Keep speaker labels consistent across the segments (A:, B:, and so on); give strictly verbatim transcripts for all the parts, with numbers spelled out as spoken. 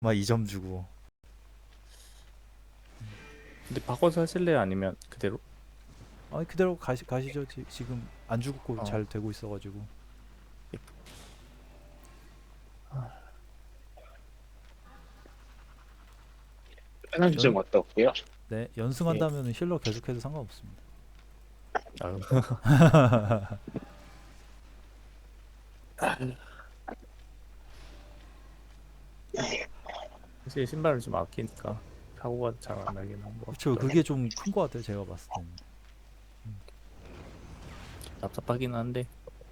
A: 막 이 점 주고.
B: 근데 바꿔서 하실래요? 아니면 그대로?
A: 아니 그대로 가시, 가시죠. 지, 지금 안 죽고
B: 어.
A: 잘 되고 있어가지고.
C: 편한
A: 연,
C: 점 어떻고요?
A: 네,
B: 예.
A: 연승한다면 힐러 계속해도 상관없습니다.
B: 아유. 사실 신발을 좀 아끼니까 사고가 잘 안 나긴 한 것
A: 그렇죠.
B: 같더라고.
A: 그게 좀 큰 것 같아요. 제가 봤을 때는.
B: 답답하긴 한데.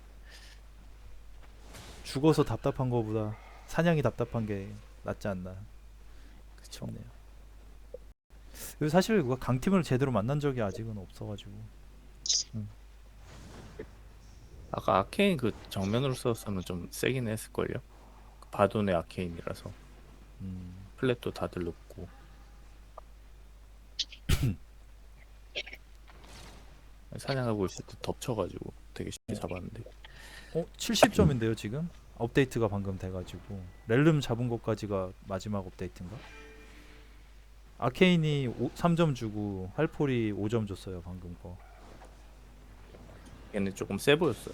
A: 죽어서 답답한 거보다 사냥이 답답한 게 낫지 않나
B: 그쵸.
A: 싶네요. 그리고 사실 그거 강팀을 제대로 만난 적이 아직은 없어가지고.
B: 음. 아까 아케인 그 정면으로 썼으면 좀 세긴 했을걸요. 그 바돈의 아케인이라서
A: 음,
B: 플랫도 다들 높고 사냥하고 있을 때 덮쳐가지고 되게 쉽게 잡았는데.
A: 어, 칠십 점인데요 지금? 업데이트가 방금 돼가지고 렐름 잡은 것까지가 마지막 업데이트인가? 아케인이 오, 삼 점 주고 할폴이 오 점 줬어요 방금 거.
B: 얘는 조금 세 보였어요.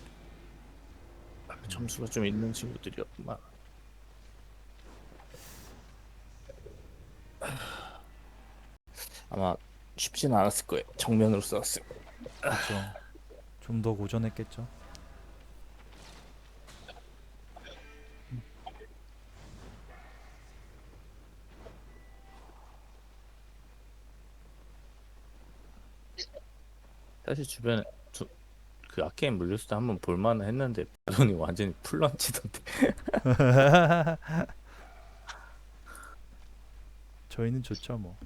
B: 점수가 좀 있는 친구들이었구만. 아마 쉽지는 않았을 거예요. 정면으로 썼을 거예요.
A: 그쵸. 좀 더 고전했겠죠.
B: 사실 주변에 저, 그 아케인 물렸을 때 한번 볼만은 했는데 바돈이 완전히 풀런치던데.
A: 저희는 좋죠 뭐.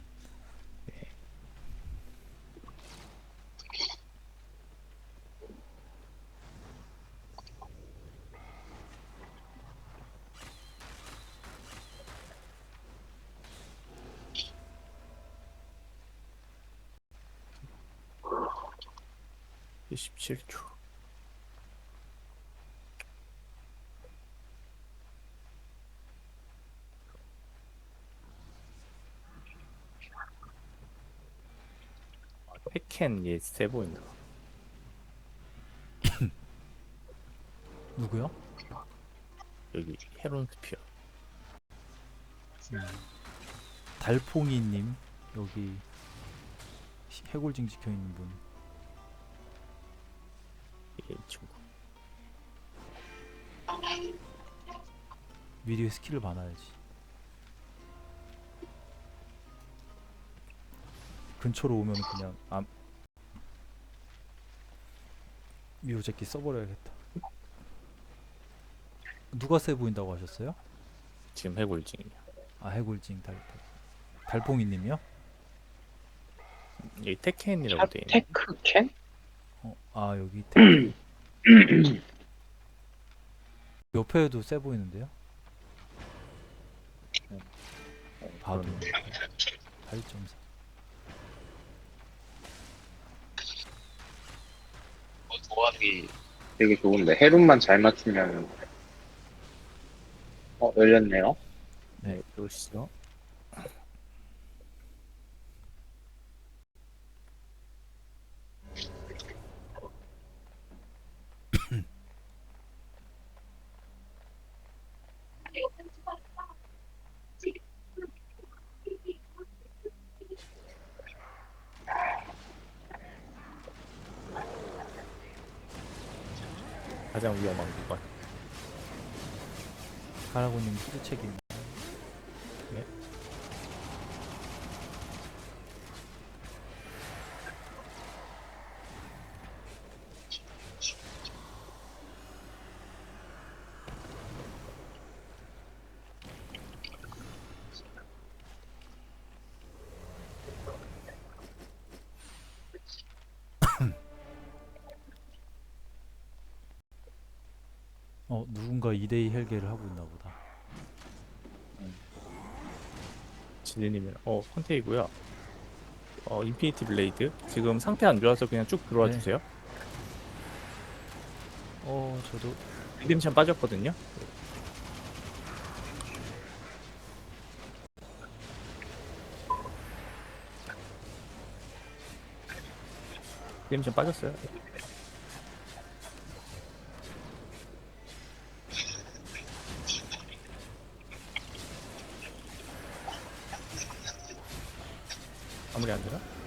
B: 십칠 초. 테켄 얘세 보인다.
A: 누구요?
B: 여기 헤론 스피어.
A: 달퐁이님 여기 시- 해골징 지켜 있는 분.
B: 이게 이 친구.
A: 미리 스킬을 봐놔야지. 근처로 오면 그냥 아 미호제끼 써버려야겠다. 누가 세 보인다고 하셨어요?
B: 지금 해골징이야.
A: 아 해골징 달, 달 달퐁이님이요?
B: 여기 테켄이라고
C: 차
B: 돼 있네.
C: 테크캔?
A: 어, 아 여기 테크 옆에도 세 보이는데요? 봐도
B: 그러네.
A: 팔 점 사.
C: 조합이 되게 좋은데 헤론만 잘 맞추면 어 열렸네요.
A: 네.
B: 네, 그러시죠. 가장 위험한 구간.
A: 가라고님 후드책임.
B: 네.
A: 어 누군가 이 대이 헬게를 하고 있나 보다.
B: 지리님이랑 어 컨테이고요. 어 인피니티 블레이드. 지금 상태 안 좋아서 그냥 쭉 들어와
A: 네.
B: 주세요.
A: 어 저도
B: 리뎀션 빠졌거든요. 게임 좀 빠졌어요. 마무리 안 되나?